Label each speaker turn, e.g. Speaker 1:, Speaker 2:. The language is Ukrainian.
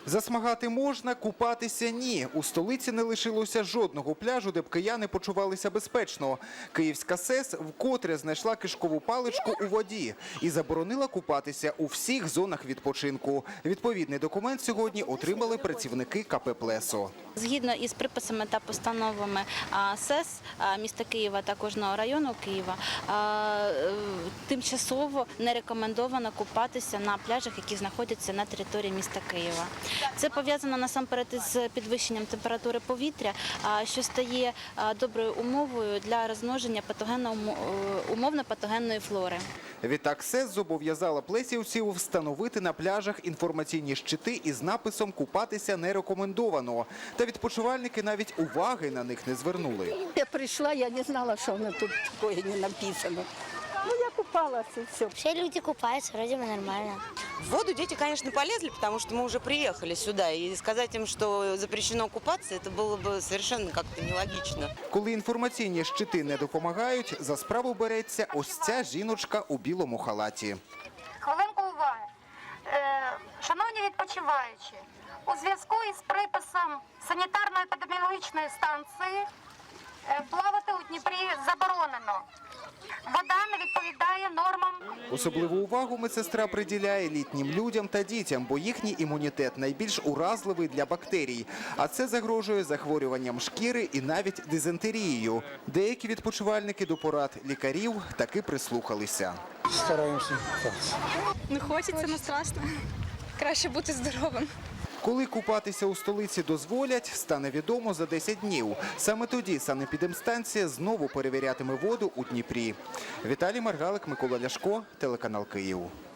Speaker 1: Засмагати можна, купатися – ні. У столиці не лишилося жодного пляжу, де б кияни почувалися безпечно. Київська СЕС вкотре знайшла кишкову паличку у воді і заборонила купатися у всіх зонах відпочинку. Відповідний документ сьогодні отримали працівники КП «Плесо».
Speaker 2: Згідно із приписами та постановами СЕС міста Києва та кожного району Києва, тимчасово не рекомендовано купатися на пляжах, які знаходяться на території міста Києва. Це пов'язано насамперед із підвищенням температури повітря, що стає доброю умовою для розмноження умовно-патогенної флори.
Speaker 1: Відтак СЕС зобов'язала плесівців встановити на пляжах інформаційні щити із написом «Купатися не рекомендовано». Та відпочивальники навіть уваги на них не звернули.
Speaker 3: Я прийшла, я не знала, що воно тут такое не написано. Ну, я купалась и все.
Speaker 4: Все люди купаются, вроде бы нормально.
Speaker 5: В воду дети, конечно, полезли, потому что мы уже приехали сюда. И сказать им, что запрещено купаться, это было бы совершенно как-то нелогично.
Speaker 1: Коли інформаційні щити не допомагають, за справу береться ось ця жіночка у білому халаті.
Speaker 6: Хвилинку уваги. Шановні відпочиваючі, у зв'язку із приписом санітарно-епідеміологічної станції плавати у Дніпрі заборонено. Вода не відповідає нормам.
Speaker 1: Особливу увагу медсестра приділяє літнім людям та дітям, бо їхній імунітет найбільш уразливий для бактерій. А це загрожує захворюванням шкіри і навіть дизентерією. Деякі відпочивальники до порад лікарів таки прислухалися.
Speaker 7: Стараємося.
Speaker 8: Не хочеться, але страшно. Краще бути здоровим.
Speaker 1: Коли купатися у столиці дозволять, стане відомо за 10 днів. Саме тоді санепідемстанція знову перевірятиме воду у Дніпрі. Віталій Маргалик, Микола Ляшко, телеканал «Київ».